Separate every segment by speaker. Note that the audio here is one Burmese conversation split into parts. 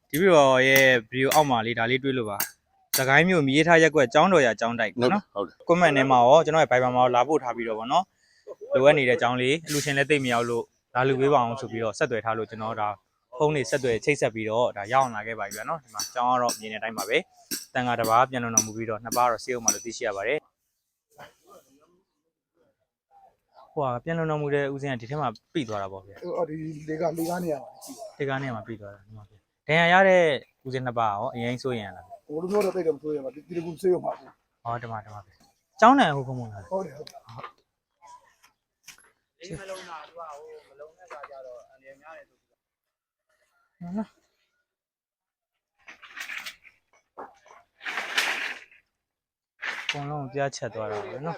Speaker 1: ဒီပြီးတော့ရဲ့ဗီဒီယိုအောက်မှာလေးဒါလေးတွေ့လို့ပါစကိုင်းမျိုးမြေးထားရက်ကွက်ចောင်းတော်ရចောင်းတိုက်ပေါ့နော်
Speaker 2: ဟုတ်တယ်
Speaker 1: comment ထဲမှာရောကျွန်တော်ရဲ့ Viber မှာရောလာပို့ထားပြီးတော့ဗောနော်လိုအပ်နေတဲ့အကြောင်းလေးအလူရှင်လည်းသိမရောက်လို့လာလူပေးပါအောင်ဆိုပြီးတော့ဆက်သွယ်ထားလို့ကျွန်တော်ဒါဖုန်းလေးဆက်သွယ်ချိတ်ဆက်ပြီးတော့ဒါရအောင်လာခဲ့ပါပြီဗျာနော်ဒီမှာចောင်းကတော့မြင်တဲ့အတိုင်းပါပဲတန်ခါတစ်ပါးပြန်လုံတော်မူပြီးတော့နှစ်ပါးတော့စေးအောင်မှလို့သိရှိရပါတယ်ဟိုကပြန်လုံတော်မူတဲ့ဦးစင်းကဒီထဲမှာပြိသွားတာပေါ့ဗျာ
Speaker 3: အော်ဒီလေကနေရပါရှိ
Speaker 1: ဒီကားနဲ့မှာပြိသွားတာဒီမှာဗျာဒဏ်ရာရတဲ့ဦးစင်းနှစ်ပါးရောအရင်စိုးရင်လား
Speaker 3: ဟိုလိုမျိုးတော့တိတ်တော့မဆိုးရပါဒီကူဆေးရမှာပေါ့
Speaker 1: ဟောတမဗျာចောင်းနိုင်ဟုတ်ကမလား
Speaker 3: ဟုတ်တယ်ဟုတ်တယ်
Speaker 4: ဒီမလုံးတာသူကဟိုမလုံးတဲ့ခါကျတော့အန်ရများတယ်ဆိုပြီး
Speaker 1: နော်ဘုံလုံးပြားချက်သွားတာပဲနော်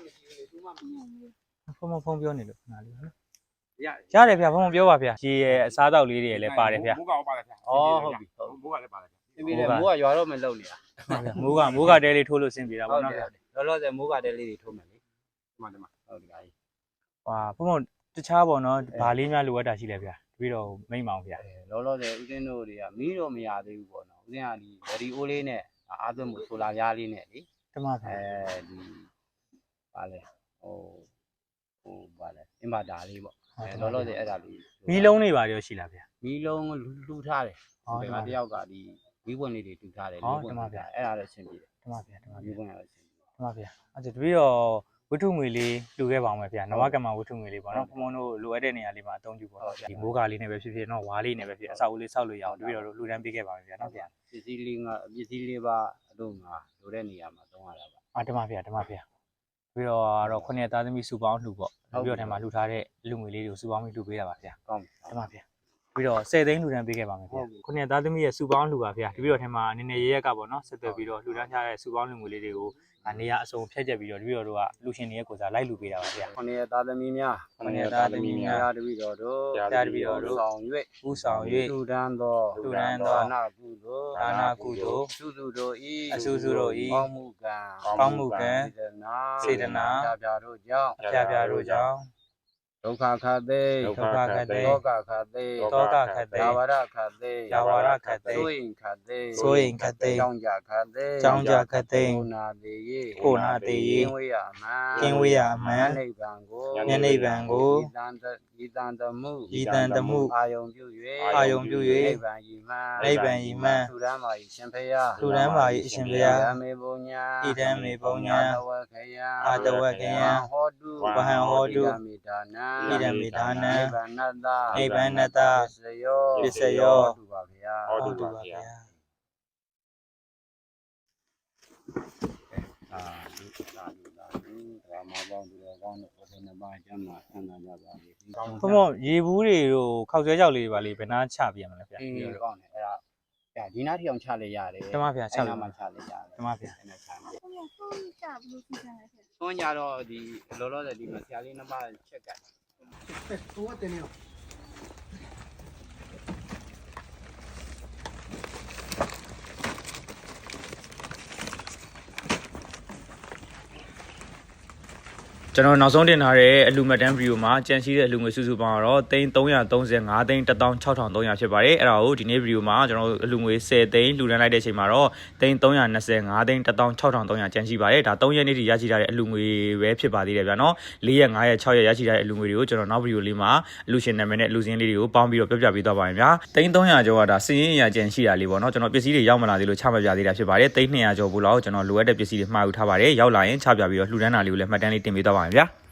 Speaker 1: ဖုံပြောနေလို့ခဏလေးနော်ရတယ်ဗျာဖုံပြောပါဗျာရေရဲ့အစားအသောက်လေးတွေလည်းပါတယ်ဗျာ
Speaker 2: မိုးကောင်ပါတယ်ဗျာ
Speaker 4: ဩဟုတ်ပြီဟုတ်
Speaker 2: မိုးကလည်းပါတယ်ဗျာ
Speaker 4: အင်းပြီးတယ်မိုးကရွာတော့မလုံနေတာ
Speaker 1: မိုးကတဲလေးထိုးလို့ဆင်းပြေတာပေါ့နော်ဗျာ
Speaker 4: လောလောဆယ်မိုးကတဲလေးတွေထိုးမယ်လေ
Speaker 2: ဒီမှာ
Speaker 4: ဟုတ်ကဲ့ကြီး
Speaker 1: ဟာဖုံတခြားပေါ့နော်ဗာလေးများလိုအပ်တာရှိလဲဗျာပြီးတော့မိတ်မောင်ဗျာ
Speaker 4: လောလောဆယ်ဦးစင်းတို့တွေကမီးတော့မရသေးဘူးပေါ့နော်ဦးစင်းကဒီဗရီအိုးလေးနဲ့အားသွင်းမှုဆိုလာပြားလေးနဲ့လေ
Speaker 1: တမဗျာ
Speaker 4: ဒီပါလေဟိုပါလေအင်ဘာတာလေးပေါ့လောလောဆယ်အဲ့ဒါလေး
Speaker 1: မီးလုံးတွေပါရောရှိလားဗျာ
Speaker 4: မီးလုံးလှူထားတယ်
Speaker 1: ဟုတ်
Speaker 4: ဒီ
Speaker 1: တယ်
Speaker 4: မှာတယောက်ကဒီမီးပွင့်လေးတွေတူထားတယ်
Speaker 1: ဟုတ်တယ်ပါဗျာ
Speaker 4: အဲ့ဒါလည်းအဆင်ပြေတယ်
Speaker 1: တမဗျာ
Speaker 4: မီးပွင့်ရလည်းအဆင်ပြေ
Speaker 1: တမဗျာအဲ့ဒါတပည့်တော့ဝတ္ထုငွေလေးလှူခဲ့ပါအောင်ဗျာနဝကမ္မဝတ္ထုငွေလေးပေါ့နော်ဖုံတို့လိုအပ်တဲ့နေရာလေးမှာအသုံးပြုပါတော့ဗျာဒီမိုးကားလေးနဲ့ပဲဖြစ်ဖြစ်နော်ဝါးလေးနဲ့ပဲဖြစ်အဆောက်အဦလေးဆောက်လို့ရအောင်တပည့်တော်တို့လှူဒန်းပေးခဲ့ပါမယ်ဗျာနော်ဗျာ
Speaker 4: ပစ္စည်းလေးပါအလို့ငါလိုတဲ့နေရာမှာသုံးရတာပါ
Speaker 1: တမဗျာပြီးတော့ခုနှစ်သားသမီးစုပေါင်းလှူပေါ့ပြီးတော့ထဲမှာလှူထားတဲ့လူငွေလေးတွေကိုစုပေါင်းပြီးလှူပေးတာပါဗျာ
Speaker 4: ကောင်းပြီ
Speaker 1: တမဗျာပြီးတော့10သိန်းလှူဒန်းပေးခဲ့ပါမယ်ဗျာခုနှစ်သားသမီးရဲ့စုပေါင်းလှူပါဗျာပြီးတော့ထဲမှာအနေနဲ့ရရက်ကပေါ့နော်ဆက်သွယ်ပြီးတော့လှူဒန်းထားတဲ့စုပေါင်းလူငွေလေးတွေကိုနေရာအစုံဖြတ်ချက်ပြီးတော့တပည့်တော်တို့ကလူရှင်တွေရဲ့ကိုယ်စားလိုက်လှူပေးတာပါဗျာ
Speaker 4: ခொနည်းသားသမီးများ
Speaker 1: ခொနည်းသားသမီးများ
Speaker 4: တပည့်တော်တို့
Speaker 1: တရားတပည့်တော်တို့
Speaker 4: ဆောင်၍
Speaker 1: ဥဆောင်၍
Speaker 4: လူဒန်းသော
Speaker 1: လှူဒန်းသော
Speaker 4: ဒါနကုသိုလ်
Speaker 1: ဒါနကုသိုလ်
Speaker 4: စုစုတို့ဤ
Speaker 1: အစုစုတို့ဤ
Speaker 4: ကောင်းမှုကံ
Speaker 1: ကောင်းမှုကံ
Speaker 4: စေတနာပြတို့ကြောင့်
Speaker 1: ပြပြတို့ကြောင့်
Speaker 4: ဒုက္ခခတ်သိ
Speaker 1: ဒုက္ခခတ်သိ
Speaker 4: တောကခတ်သိ
Speaker 1: တောကခတ်သိ
Speaker 4: ယာဝရခတ်သိ
Speaker 1: ယာဝရခတ်သိ
Speaker 4: ဆိုရင်ခတ်သိ
Speaker 1: စိုးရင်ခတ်သိ
Speaker 4: ကြောင်းကြခတ်သိ
Speaker 1: ကြောင်းကြခတ်သိ
Speaker 4: ကိုနာသေးရေ
Speaker 1: ကိုနာသေးရေ
Speaker 4: ကင်းဝေးရမှန်
Speaker 1: ကင်းဝေးရမှန်
Speaker 4: နိဗ္ဗာန်ကို
Speaker 1: ဉာဏ်နိဗ္ဗာန်ကို
Speaker 4: ဤတန်တမှု
Speaker 1: ဤတန်တမှု
Speaker 4: အာယုံပြု
Speaker 1: အာယုံပြု၍
Speaker 4: နိဗ္ဗာန်ဤမှန်
Speaker 1: နိဗ္ဗာန်ဤမှန်
Speaker 4: သုရမ်းပါ၏ရှင်ဖယား
Speaker 1: သုရမ်းပါ၏အရှင်ဘုရား
Speaker 4: ဣဒံမေပုံညာ
Speaker 1: ဣဒံမေပုံညာ
Speaker 4: အာတဝခယံ
Speaker 1: အာတဝခယံ
Speaker 4: ဟောတု
Speaker 1: ဝဟံဟောတု
Speaker 4: ဣဒံမေဒါနံ
Speaker 1: ဣဒံမေဒါနံ
Speaker 4: နိဗ္ဗာန်တ
Speaker 1: နိဗ္ဗာန်တ
Speaker 4: ပစ္စယော
Speaker 1: ပစ္စယော
Speaker 4: ဟောတုပါဗျာ
Speaker 2: ဟောတုပါဗျာ
Speaker 4: အာဒီသာဒီသာဒီဓမ္မပေါင်းသူတော်ကောင်းတို့ဘုရားနှစ်ပါးကျမ်းမှာဆန္ဒကြပါလေဒီကောင်း
Speaker 1: ဘုံဘုံရေဘူးတွေတို့ခောက်ဆွဲကြောက်လေးတွေပါလေဘယ်နာချပြရမလဲဗျာ
Speaker 4: အေးကောင်းတယ်အဲ့ဒါဒီနားထီအောင်ချလိုက်ရတယ်
Speaker 1: တမဗျာချလို့
Speaker 4: အဲ့နားမှာချလိုက်ရတယ်
Speaker 1: တမဗျာ
Speaker 4: အဲ့နဲ့ချမယ်
Speaker 5: 后面后面下不是现在是？
Speaker 4: သွန်းကြတော့ဒီလောလောဆယ်ဒီမှာဆရာလေးနှစ်ပါးချက်ကတ်
Speaker 3: ဟိုကတင်နေရော
Speaker 1: ကျွန်တော်နောက်ဆုံးတင်ထားတဲ့အလူမတန်းဗီဒီယိုမှာကြံရှိတဲ့အလူငွေစုစုပေါင်းတော့335သိန်း16300ဖြစ်ပါတယ်အဲ့ဒါကိုဒီနေ့ဗီဒီယိုမှာကျွန်တော်အလူငွေ10သိန်းလူတန်းလိုက်တဲ့အချိန်မှာတော့325သိန်း16300ကြံရှိပါတယ်ဒါ3ရက်နေ့ထိရရှိထားတဲ့အလူငွေပဲဖြစ်ပါသေးတယ်ဗျာနော်4ရက်5ရက်6ရက်ရရှိထားတဲ့အလူငွေတွေကိုကျွန်တော်နောက်ဗီဒီယိုလေးမှာအလူရှင်နာမည်နဲ့အလူစင်းလေးတွေကိုပေါင်းပြီးတော့ပြပြပေးသွားပါမယ်ဗျာ300ကျော်ကဒါစည်ရင်းအရာကြံရှိတာလေးပေါ့နော်ကျွန်တော်ပစ္စည်းတွေရောက်မလာသေးလို့ချမပြသေးတာဖြစ်ပါတယ်200ကျော်ဘူးလောက်ကျွန်တော်လိုအပ်တဲ့ပစ္စည်းတွေမှာယူထားပါတယ်ရောက်လာရင်ချပြပြီးတော့လှူဒန်းတာလေးကိုလည်းမှတ်တမ်းလေးတင်ပေးသွားပါမယ်ဗျာ